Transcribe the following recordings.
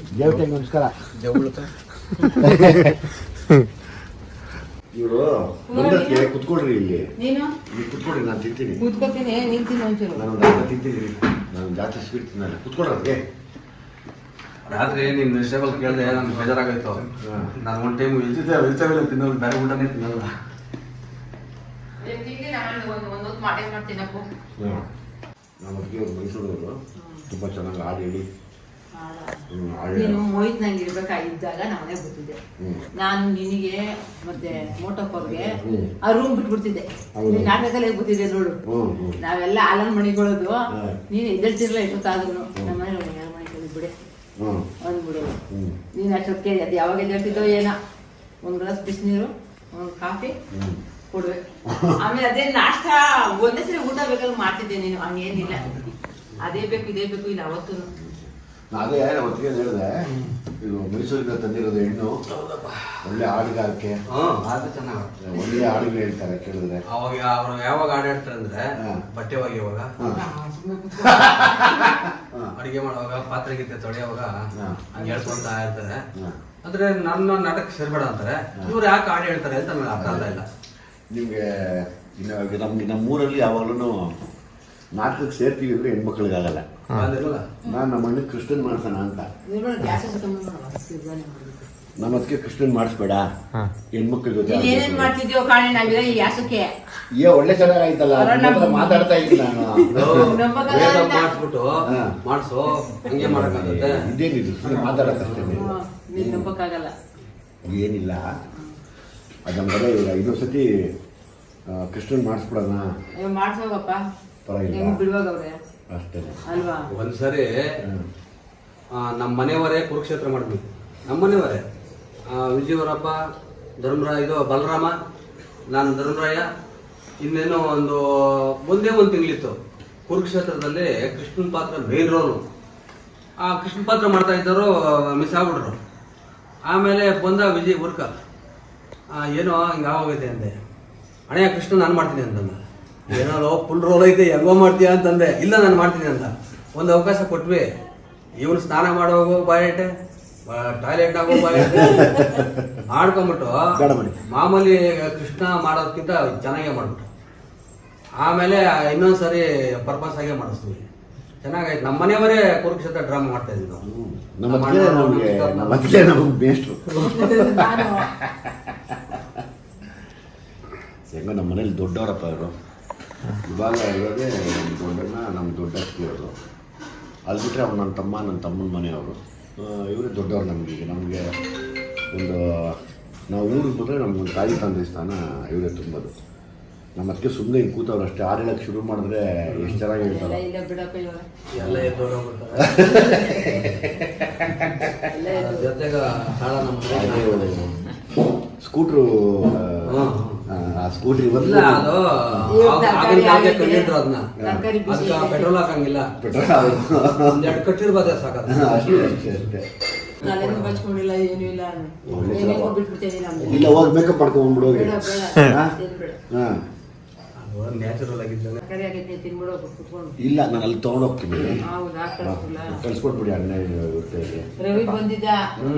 ದೇವತೆ ನಮಸ್ಕಾರ. ಇವರು ಬಂದಕ್ಕೆ ಕುತ್ಕೊಳ್ರಿ ಇಲ್ಲಿ. ನೀನು ಕುತ್ಕೊಳ್ರಿ, ನಾನು ತಿಂತೀನಿ. ಕೂತ್ಕೋತೀನಿ, ನೀನು ತಿನ್ನು ಒಂಚೂರು. ನಾನು ತಿಂತೀನಿ, ನಾನು ಜಾಸ್ತಿ ಸ್ವೀಟ್ ತಿನ್ನಲ್ಲ. ಕುತ್ಕೊಳ್ರಿ. ರಾತ್ರಿ ನೀನು ವೆಜಿಟೇಬಲ್ ಕೇಳಿದೆ, ನಮ್ಗೆ ಬೇಜಾರಾಗೋಯ್ತು. ನಾನು ಒಂದು ಟೈಮ್ ವೆಜಿಟೇಬಲ್ ತಿನ್ನೋದು, ಬೇರೆ ಊಟನೇ ತಿನ್ನಲ್ಲ. ನಮ್ಮ ಮೈಸೂರವರು ತುಂಬ ಚೆನ್ನಾಗಿ ಹಾಡು ಹೇಳಿ ನೀನು ಮೋಹಿತ್ ನಂಗೆ ಇರ್ಬೇಕಾಗಿದ್ದಾಗ ನಾನೇ ಗೊತ್ತಿದ್ದೆ. ನಾನು ನಿನಗೆ ಮತ್ತೆ ಮೋಟಪ್ಪವ್ರಿಗೆ ಆ ರೂಮ್ ಬಿಟ್ಬಿಡ್ತಿದ್ದೆ. ನೀನು ನಾಟಕದಲ್ಲೇ ಗೊತ್ತಿದ್ದೆ ನೋಡು. ನಾವೆಲ್ಲ ಆಲನ್ ಮಣಿಗಳದು, ನೀನು ಎದ್ದೇಳ್ತಿರ್ಲ ಎಷ್ಟೊತ್ತಾದ್ರು. ನಮ್ಮ ಮನೆ ಮನೆ ಬಿಡೆ ಅಂದ್ಬಿಡು. ನೀನು ಅಷ್ಟೊತ್ತಿಗೆ ಅದು ಯಾವಾಗ ಎದ್ದೇಳ್ತಿದ್ದೋ ಏನೋ, ಒಂದು ಗ್ಲಾಸ್ ಬಿಸಿನೀರು, ಒಂದು ಕಾಫಿ ಕೊಡ್ಬೇಕು. ಆಮೇಲೆ ಅದೇ ನಾಷ್ಟ ಒಂದೇ ಸರಿ ಊಟ ಬೇಕಾದ್ರೆ ಮಾಡ್ತಿದ್ದೆ. ನೀನು ಹಂಗೇನಿಲ್ಲ, ಅದೇ ಬೇಕು ಇದೇ ಬೇಕು ಇಲ್ಲ ಅವತ್ತು. ಅದೇ ಹೊತ್ತಿಗೆ ಹೇಳಿದೆ, ಇದು ಮೈಸೂರಿಂದ ತಂದಿರೋದು ಹೆಣ್ಣು, ಒಳ್ಳೆ ಹಾಡುಗಾರಿಕೆ, ಒಳ್ಳೆ ಹಾಡುಗಳು ಹೇಳ್ತಾರೆ ಕೇಳಿದ್ರೆ. ಅವಾಗ ಅವ್ರು ಯಾವಾಗ ಹಾಡು ಹೇಳ್ತಾರೆ ಅಂದ್ರೆ, ಬಟ್ಟೆ ಒಗೆಯುವಾಗ, ಅಡಿಗೆ ಮಾಡುವಾಗ, ಪಾತ್ರೆ ಗೀತೆ ತೊಳೆಯುವಾಗ ಹಂಗೆ ಹೇಳ್ಕೊಂತ ಇರ್ತಾರೆ. ಅಂದ್ರೆ ನನ್ನ ನಾಟಕ ಸೇರ್ಬೇಡ ಅಂತಾರೆ. ಇವ್ರು ಯಾಕೆ ಹಾಡು ಹೇಳ್ತಾರೆ ಅಂತ ನನಗೆ ಅರ್ಥ ಆಗ್ತಾ ಇಲ್ಲ. ನಿಮಗೆ ನಮ್ಗೆ ನಮ್ಮೂರಲ್ಲಿ ಯಾವಾಗಲೂ ನಾಟಕಕ್ಕೆ ಸೇರ್ತೀವಿ ಅಂದ್ರೆ ಹೆಣ್ಮಕ್ಳಿಗಾಗಲ್ಲ. ನಾನು ನಮ್ಮ ಅಣ್ಣ ಕೃಷ್ಣನ್ ಮಾಡ್ಸೋಣ ಅಂತ. ನಮ್ಮ ಅದಕ್ಕೆ ಕೃಷ್ಣನ್ ಮಾಡಿಸ್ಬೇಡ, ಹೆಣ್ಮಕ್ಳ ಜೊತೆ ಒಳ್ಳೆ ಚೆನ್ನಾಗಾಯ್ತಲ್ಲ, ಮಾತಾಡ್ತಾ ಇದ್ದೀನಿ ನಾನು. ಮಾಡಿಸ್ಬಿಟ್ಟು ಮಾಡಿಸೋ, ಹಂಗೆ ಮಾಡಕ್ಕಾಗುತ್ತೆ. ಇದೇನಿದು, ಮಾತಾಡಕ್ಕಷ್ಟೇ, ಏನಿಲ್ಲ. ಅದು ನಮ್ಗೆಲ್ಲ ಇವಾಗ 5 ಸತಿ ಕೃಷ್ಣನ್ ಮಾಡಿಸ್ಬಿಡೋಣ, ಪರವಾಗಿಲ್ಲ ಅಷ್ಟೇ ಅಲ್ವಾ. ಒಂದ್ಸರಿ ನಮ್ಮ ಮನೆಯವರೇ ಕುರುಕ್ಷೇತ್ರ ಮಾಡಿದ್ವಿ. ನಮ್ಮ ಮನೆಯವರೇ ವಿಜಯವರಪ್ಪ, ಧರ್ಮರಾಯ, ಇದು ಬಲರಾಮ, ನಾನು ಧರ್ಮರಾಯ, ಇನ್ನೇನೋ ಒಂದೇ ಒಂದು ತಿಂಗಳಿತ್ತು. ಕುರುಕ್ಷೇತ್ರದಲ್ಲಿ ಕೃಷ್ಣನ್ ಪಾತ್ರ ಮೇನ್ ರೋಲು. ಆ ಕೃಷ್ಣನ್ ಪಾತ್ರ ಮಾಡ್ತಾ ಇದ್ದವರು ಮಿಸ್ ಆಗ್ಬಿಟ್ರು. ಆಮೇಲೆ ಬಂದ ವಿಜಯ್ ಊರ್ಕ, ಏನೋ ಹಿಂಗೆ ಆಗೋಗೈತೆ ಅಂದೆ. ಅಣ್ಣಯ್ಯ ಕೃಷ್ಣ ನಾನು ಮಾಡ್ತೀನಿ ಅಂತಂದ. ಏನೋ ಫುಲ್ ರೋಲ್ ಐತೆ, ಹೆಂಗೋ ಮಾಡ್ತೀಯ ಅಂತಂದೆ. ಇಲ್ಲ ನಾನು ಮಾಡ್ತೀನಿ ಅಂತ ಒಂದು ಅವಕಾಶ ಕೊಟ್ವಿ. ಇವನು ಸ್ನಾನ ಮಾಡೋಗೋ ಬಾಯಟೆ, ಟಾಯ್ಲೆಟ್ ಆಗೋ ಬಾಯಟೆ ಆಡ್ಕೊಂಬಿಟ್ಟು ಮಾಮೂಲಿ ಕೃಷ್ಣ ಮಾಡೋದಕ್ಕಿಂತ ಚೆನ್ನಾಗೇ ಮಾಡ್ಬಿಟ್ಟು. ಆಮೇಲೆ ಇನ್ನೊಂದ್ಸರಿ ಪರ್ಪಸ್ ಆಗೇ ಮಾಡಿಸ್ತೀವಿ. ಚೆನ್ನಾಗಾಯ್ತು. ನಮ್ಮ ಮನೆಯವರೇ ಕುರುಕ್ಷೇತ್ರ ಡ್ರಾಮಾ ಮಾಡ್ತಾ ಇದ್ವಿ ನಾವು. ಹೆಂಗ ನಮ್ಮ ಮನೇಲಿ ದೊಡ್ಡವರಪ್ಪ ಇವರು. ಇವಾಗ ಇರೋದೇ ದೊಡ್ಡಣ್ಣ, ನಮ್ಮ ದೊಡ್ಡ ಇರೋದು. ಅಲ್ಲಿ ಬಿಟ್ಟರೆ ಅವ್ರು ನನ್ನ ತಮ್ಮ, ನನ್ನ ತಮ್ಮನ ಮನೆಯವರು. ಇವರೇ ದೊಡ್ಡವ್ರು ನಮಗೀಗ. ನಮಗೆ ಒಂದು ನಾವು ಊರಿಗೆ ಬಂದರೆ ನಮ್ಗೊಂದು ತಾಯಿ ತಂದೆ ಸ್ಥಾನ ಇವರೇ ತುಂಬೋದು. ನಮ್ಮ ಅದಕ್ಕೆ ಸುಮ್ಮನೆ ಹಿಂಗೆ ಕೂತವ್ರು ಅಷ್ಟೇ. ಹಾಡು ಹೇಳಕ್ಕೆ ಶುರು ಮಾಡಿದ್ರೆ ಎಷ್ಟು ಚೆನ್ನಾಗಿ ಹೇಳ್ತಾರೆ. ಎಲ್ಲ ಜೊತೆಗೆ ಸ್ಕೂಟ್ರು, ಆ ಸ್ಕೂಟ್ರಿ ಕಂಡಿದ್ರು ಅದನ್ನ, ಅದಕ್ಕೆ ಪೆಟ್ರೋಲ್ ಹಾಕಂಗಿಲ್ಲ, ಒಂದೆರಡು ಕಟ್ಟಿರ್ಬೋದ ಸಾಕ. ಇಲ್ಲ, ಹೋಗಿ ಮೇಕಪ್ ಮಾಡ್ಕೊಂಡ್ಬಿಡು. ನ್ಯಾಚುರಲ್ ಆಗಿದ್ದ. ಇಲ್ಲ, ನಾನು ಅಲ್ಲಿ ತೊಗೊಂಡೋಗ್ತೀನಿ, ಕಳ್ಸ್ಕೊಟ್ಬಿಡಿ ಅಣ್ಣ. ರವಿ ಬಂದಿದ್ದ,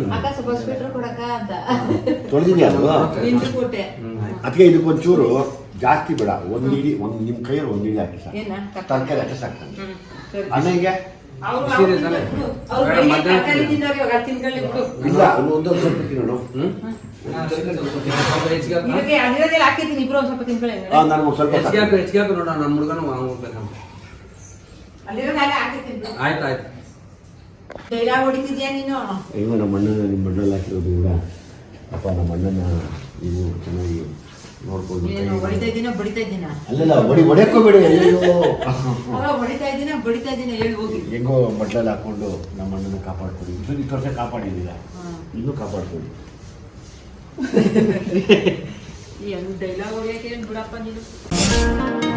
ತೊಳೆದಿದ್ಯಾ ಅದು? ಅದಕ್ಕೆ ಇದಕ್ಕೊಂಚೂರು ಜಾಸ್ತಿ ಬೇಡ, ಒಂದು ನಿಮ್ಮ ಕೈಯಲ್ಲಿ ಒಂದು ಇಡಿ ಹಾಕಿ ಸಾಕು, ತರಕಾರಿ ಹಾಕಿ ಸಾಕು. ಅಣ್ಣಗೆ ಇಲ್ಲ, ಒಂದೊಂದು ಸ್ವಲ್ಪ ತಿನ್ನೋಣ. ನಾನು ಸ್ವಲ್ಪ ಹೆಚ್ಚಿಗೆ ನೋಡೋಣ. ನಮ್ಮ ಹುಡುಗನು ಹೋಗ್ಬೇಕಂತ. ಆಯ್ತು ಆಯ್ತು. ಅಯ್ಯೋ, ನಮ್ಮ ಅಣ್ಣನ ನಿಮ್ಮ ಮಣ್ಣಲ್ಲಿ ಹಾಕಿರೋದು ಕೂಡ ಅಪ್ಪ. ನಮ್ಮ ಅಣ್ಣನ ನೀವು ಚೆನ್ನಾಗಿ ನೋಡ್ಕೊಂಡು. ಅಲ್ಲಲ್ಲ, ಹೊಡೆಯೋಕೋಬೇಡಿ. ಹೆಂಗೋ ಬಟ್ಲಲ್ಲಿ ಹಾಕೊಂಡು ನಮ್ಮ ಅಣ್ಣನ ಕಾಪಾಡ್ಕೊಡಿ. ಇಷ್ಟು ವರ್ಷ ಕಾಪಾಡಿದ್ದೀರ, ಇನ್ನೂ ಕಾಪಾಡ್ಕೊಡಿ. ಡೈಲಾಗ್ ಹೊಡೆಯಕ್ಕೆ ಬಿಡಪ್ಪ ನೀನು.